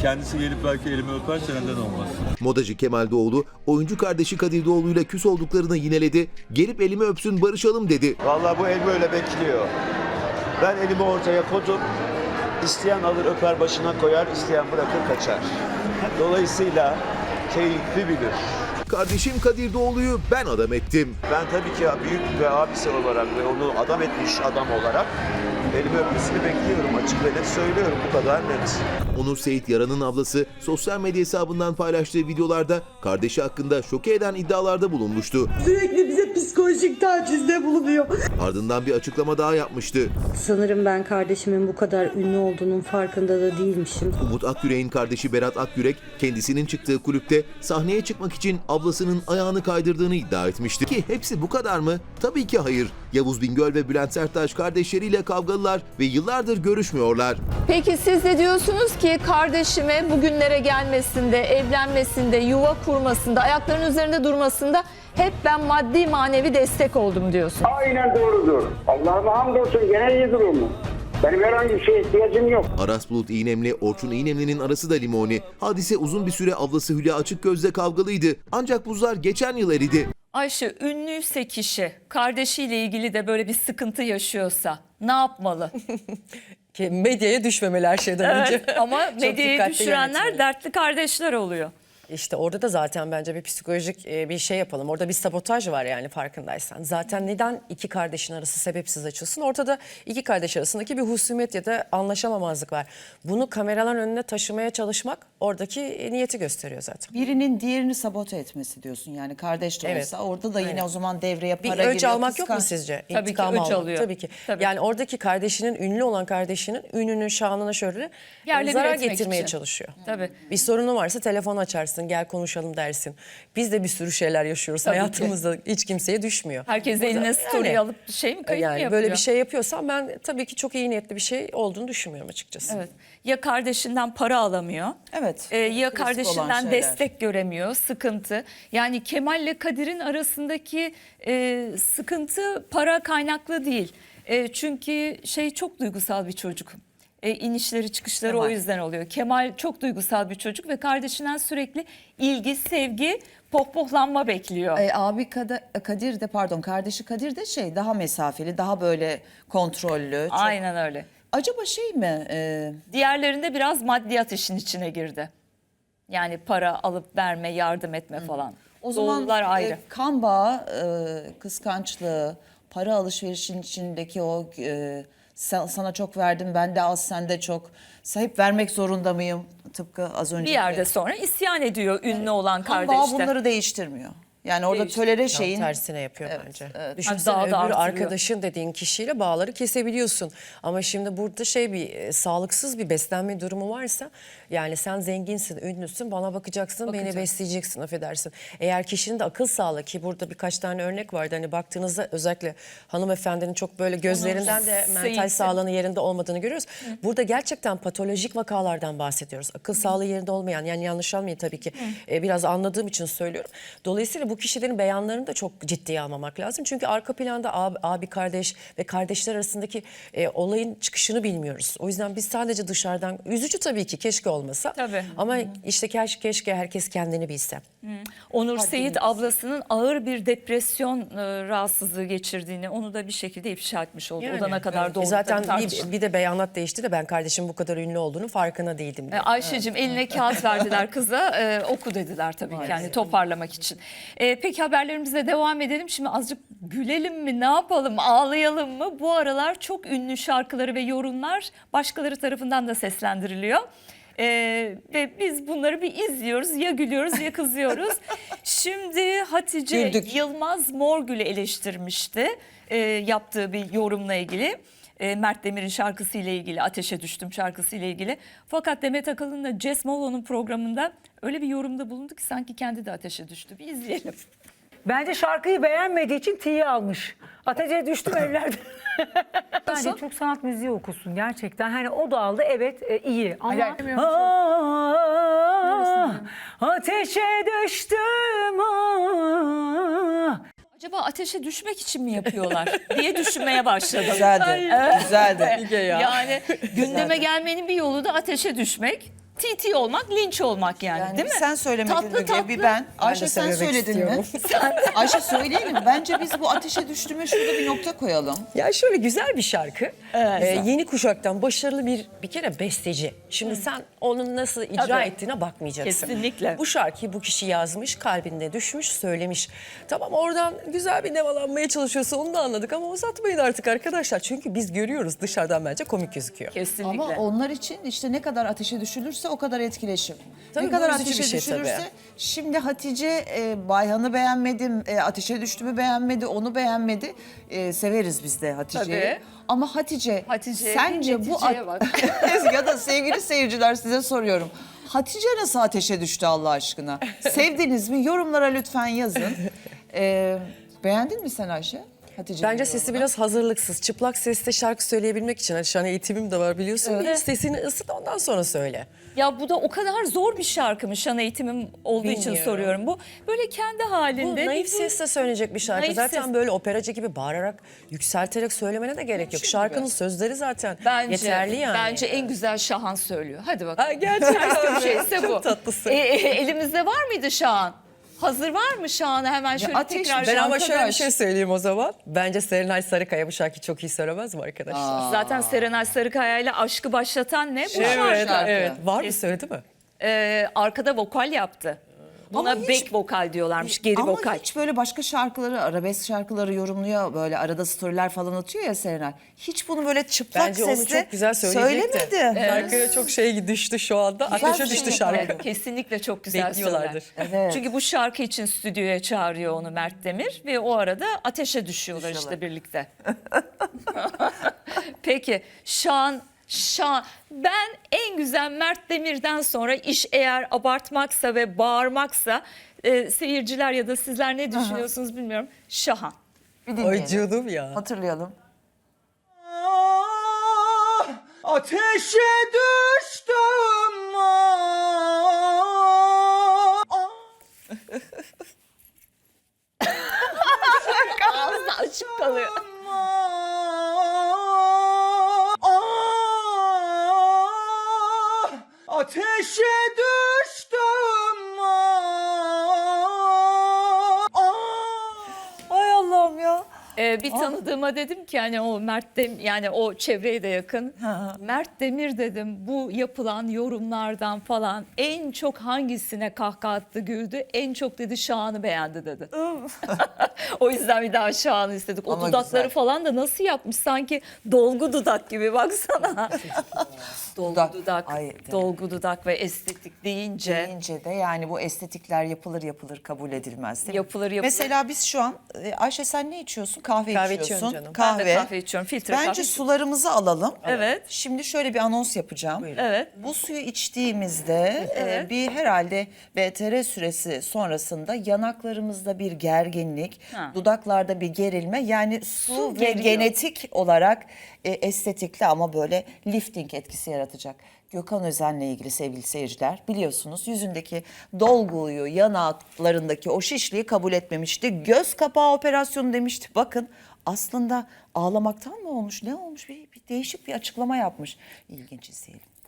kendisi gelip belki elimi öperse neden olmaz? Modacı Kemal Doğulu, oyuncu kardeşi Kadir Doğulu ile küs olduklarını yineledi. Gelip elimi öpsün barışalım dedi. Vallahi bu el böyle bekliyor. Ben elimi ortaya koydum. İsteyen alır öper başına koyar, isteyen bırakır kaçar. Dolayısıyla keyifli bilir. Kardeşim Kadir Doğulu'yu ben adam ettim. Ben tabii ki büyük ve abisi olarak ve onu adam etmiş adam olarak elimi öpmesini bekliyorum. Açık ve net söylüyorum, bu kadar net. Onur Seyit Yaran'ın ablası sosyal medya hesabından paylaştığı videolarda kardeşi hakkında şoke eden iddialarda bulunmuştu. Sürekli bize psikolojik tacizde bulunuyor. Ardından bir açıklama daha yapmıştı. Sanırım ben kardeşimin bu kadar ünlü olduğunun farkında da değilmişim. Umut Akyürek'in kardeşi Berat Akyürek kendisinin çıktığı kulüpte sahneye çıkmak için ablasının ayağını kaydırdığını iddia etmişti. Ki hepsi bu kadar mı? Tabii ki hayır. Yavuz Bingöl ve Bülent Serttaş kardeşleriyle kavgalılar ve yıllardır görüşmüyorlar. Peki siz de diyorsunuz ki kardeşime bugünlere gelmesinde, evlenmesinde, yuva kurmasında, ayaklarının üzerinde durmasında hep ben maddi manevi destek oldum diyorsun. Aynen doğrudur. Allah'ıma hamdolsun gene iyi durumu. Benim herhangi bir şeye ihtiyacım yok. Aras Bulut İynemli, Orçun İynemli'nin arası da limoni. Hadise uzun bir süre ablası Hülya Açıkgöz'le kavgalıydı. Ancak buzlar geçen yıl eridi. Ayşe, ünlüyse kişi kardeşiyle ilgili de böyle bir sıkıntı yaşıyorsa ne yapmalı? Medyaya düşmemeli her şeyden önce. Evet, ama medyaya dikkatli düşürenler yönetmeli. dertli kardeşler oluyor. İşte orada da zaten bence bir psikolojik bir şey yapalım. Orada bir sabotaj var yani farkındaysan. Zaten neden iki kardeşin arası sebepsiz açılsın? Ortada iki kardeş arasındaki bir husumet ya da anlaşamamazlık var. Bunu kameraların önüne taşımaya çalışmak oradaki niyeti gösteriyor zaten. Birinin diğerini sabote etmesi diyorsun yani kardeş de Evet. olsa orada da yine Aynen. o zaman devreye para Bir giriyor. öç almak yok mu kıskanç. sizce? Tabii ki İntikam öç almak. alıyor. Tabii ki. Tabii. Yani oradaki kardeşinin, ünlü olan kardeşinin ününün, şanına şöyle Yerle bir zarar etmek getirmeye için. çalışıyor. Tabii. Bir sorunu varsa telefon açarsın, gel konuşalım dersin. Biz de bir sürü şeyler yaşıyoruz Tabii ki. hayatımızda. Hiç kimseye düşmüyor. Herkes Burada eline story yani- alıp şey mi kayıt mı Yani yapıyor? böyle bir şey yapıyorsam ben tabii ki çok iyi niyetli bir şey olduğunu düşünmüyorum açıkçası. Evet. Ya kardeşinden para alamıyor. Evet. Ya Klasik olan kardeşinden şeyler. destek göremiyor, sıkıntı. Yani Kemal ile Kadir'in arasındaki sıkıntı para kaynaklı değil. Çünkü çok duygusal bir çocuk. İnişleri çıkışları Kemal. o yüzden oluyor. Kemal çok duygusal bir çocuk ve kardeşinden sürekli ilgi, sevgi, pohpohlanma bekliyor. Kadir de kardeşi Kadir de daha mesafeli, daha böyle kontrollü. Çok... Aynen öyle. Acaba şey mi? Diğerlerinde biraz maddiyat işin içine girdi. Yani para alıp verme, yardım etme falan. O zaman Doğrular ayrı. kan bağı, kıskançlığı, para alışverişin içindeki o sana çok verdim, ben de az, sen de çok. Hep vermek zorunda mıyım? Tıpkı az önce. Bir yerde sonra isyan ediyor ünlü olan kan bağı kardeşler. bunları değiştirmiyor. Yani orada Değiştiriyor. tölere Tam şeyin... tersine yapıyor Evet, bence. evet. Düşünsene Daha da öbür artırıyor. arkadaşın dediğin kişiyle bağları kesebiliyorsun. Ama şimdi burada sağlıksız bir beslenme durumu varsa yani sen zenginsin, ünlüsün, bana bakacaksın, beni besleyeceksin, affedersin. Eğer kişinin de akıl sağlığı, ki burada birkaç tane örnek vardı. Hani baktığınızda özellikle hanımefendinin çok böyle gözlerinden de mental Seyit'in. sağlığının yerinde olmadığını görüyoruz. Burada gerçekten patolojik vakalardan bahsediyoruz. Akıl sağlığı yerinde olmayan, yani yanlış almayın tabii ki, biraz anladığım için söylüyorum. Dolayısıyla bu kişilerin beyanlarını da çok ciddiye almamak lazım. Çünkü arka planda abi kardeş ve kardeşler arasındaki olayın çıkışını bilmiyoruz. O yüzden biz sadece dışarıdan, üzücü tabii ki, keşke olmasa. Tabii. Ama işte keşke herkes kendini bilse. Onur Seyit ablasının ağır bir depresyon rahatsızlığı geçirdiğini, onu da bir şekilde ifşa etmiş oldu. O da ne kadar doğru. Zaten tartışılır. bir de beyanat değişti de ben kardeşim bu kadar ünlü olduğunu farkına değildim diye. Ayşe'cim eline kağıt verdiler kıza, oku dediler tabii ki, yani toparlamak için. Peki haberlerimize devam edelim. Şimdi azıcık gülelim mi, ne yapalım, ağlayalım mı? Bu aralar çok ünlü şarkıları ve yorumlar başkaları tarafından da seslendiriliyor. Ve biz bunları bir izliyoruz, ya gülüyoruz ya kızıyoruz. Şimdi Hatice Güldük. Yılmaz Morgül'ü eleştirmişti yaptığı bir yorumla ilgili. Mert Demir'in şarkısıyla ilgili, Ateşe Düştüm şarkısıyla ilgili. Fakat Demet Akalın'la Jess Molo'nun programında öyle bir yorumda bulundu ki sanki kendi de ateşe düştü. Bir izleyelim. Bence şarkıyı beğenmediği için tiye almış. Ateşe düştüm evlerde. Bence çok sanat müziği okusun gerçekten. Hani o da aldı, evet, iyi ama ateşe düştüm. Acaba ateşe düşmek için mi yapıyorlar diye düşünmeye başladım. Güzeldi, güzeldi. Yani gündeme gelmenin bir yolu da ateşe düşmek. TT olmak, linç olmak yani, değil mi? Sen söylemedin Tatlı önce, tatlı. bir ben. Ayşe sen söylemek söyledin mi? Ayşe söyleyelim. Bence biz bu ateşe düştüğüme şurada bir nokta koyalım. Ya şöyle güzel bir şarkı. Yeni kuşaktan başarılı bir kere besteci. Şimdi sen onun nasıl icra Tabii. ettiğine bakmayacaksın. Kesinlikle. Bu şarkıyı bu kişi yazmış, kalbinde düşmüş, söylemiş. Tamam oradan güzel bir nemalanmaya çalışıyorsa onu da anladık ama uzatmayın artık arkadaşlar. Çünkü biz görüyoruz dışarıdan bence komik gözüküyor. Kesinlikle. Ama onlar için işte ne kadar ateşe düşülürse o kadar etkileşim. Tabii ne kadar bu üzücü ateşe bir şey düşülürse tabii. şimdi Hatice Bayhan'ı beğenmedim, ateşe düştüğümü beğenmedi, onu beğenmedi. Severiz biz de Hatice'yi. Tabii. Ama Hatice sence bu neticeye bak. ya da sevgili seyirciler size soruyorum. Hatice nasıl ateşe düştü Allah aşkına? Sevdiniz mi? Yorumlara lütfen yazın. Beğendin mi sen Ayşe? Hatice'nin Bence sesi yorumunu? biraz hazırlıksız. Çıplak sesle şarkı söyleyebilmek için. Hani şu an eğitimim de var biliyorsun. Bir sesini ısıt ondan sonra söyle. Ya bu da o kadar zor bir şarkı mı? Şan eğitimim olduğu için Bilmiyorum. soruyorum. Bu böyle kendi Bu halinde. naif sesle söylenecek bir şarkı. Naif Zaten ses. böyle operacı gibi bağırarak, yükselterek söylemene de gerek yok. Şarkının sözleri zaten yeterli yani. Bence en güzel Şahan söylüyor. Hadi bakalım. Ha, gerçekten Bir şeyse bu. Çok tatlısın. Elimizde var mıydı Şahan? Hazır var mı Şahan'a hemen şöyle ateş, tekrar Ben ama şöyle bir arkadaş. şey söyleyeyim o zaman. Bence Serenay Sarıkaya bu şarkıyı çok iyi söylemez mi arkadaşlar? Zaten Serenay Sarıkaya ile aşkı başlatan ne? Bu Evet, şarkı. evet. Var mı söyledi mi? Arkada vokal yaptı. Buna Ama hiç- back vokal diyorlarmış, geri Ama vokal. hiç böyle başka şarkıları, arabesk şarkıları yorumluyor. Böyle arada storyler falan atıyor ya Serenay. Hiç bunu böyle çıplak Bence onu sesle çok güzel söyleyecekti. söylemedi. Şarkıya çok şey düştü şu anda. Ateşe düştü şarkı. Kesinlikle çok güzel Bekliyorlardır. söyler. Evet. Çünkü bu şarkı için stüdyoya çağırıyor onu Mert Demir ve o arada ateşe düşüyorlar işte birlikte. Peki Şan, ben en güzel Mert Demir'den sonra iş eğer abartmaksa ve bağırmaksa seyirciler ya da sizler ne düşünüyorsunuz bilmiyorum. Şahan. Bir Ay dinleyelim. canım ya. Hatırlayalım. Ateşe düştüm. Ağzı açık kalıyor. Ateşe düştüm. Ay Allah'ım ya. Bir tanıdığıma dedim ki hani o Mert Demir yani o çevreye de yakın. Mert Demir dedim bu yapılan yorumlardan falan en çok hangisine kahkaha attı güldü? En çok dedi Şahan'ı beğendi dedi. O yüzden bir daha Şahan'ı istedik. O Ama dudakları güzel. falan da nasıl yapmış sanki dolgu dudak gibi baksana. Dolgu dudak, Ay, evet. dolgu dudak ve estetik deyince. Deyince de yani bu estetikler yapılır kabul edilmez değil mi? Yapılır. Mesela biz şu an Ayşe sen ne içiyorsun? Kahve Kahve içiyorsun. içiyorum canım. Ben de kahve içiyorum, filtre Bence kahve. sularımızı alalım. Evet. Şimdi şöyle bir anons yapacağım. Evet. Bu suyu içtiğimizde bir herhalde VTR süresi sonrasında yanaklarımızda bir gerginlik, dudaklarda bir gerilme yani su ve geriyor. genetik olarak estetikli ama böyle lifting etkisi yaratacak. Gökhan Özen'le ilgili sevgili seyirciler biliyorsunuz yüzündeki dolguyu, yanaklarındaki o şişliği kabul etmemişti. Göz kapağı operasyonu demişti. Bakın aslında ağlamaktan mı olmuş, ne olmuş bir değişik bir açıklama yapmış. İlginç izleyelim.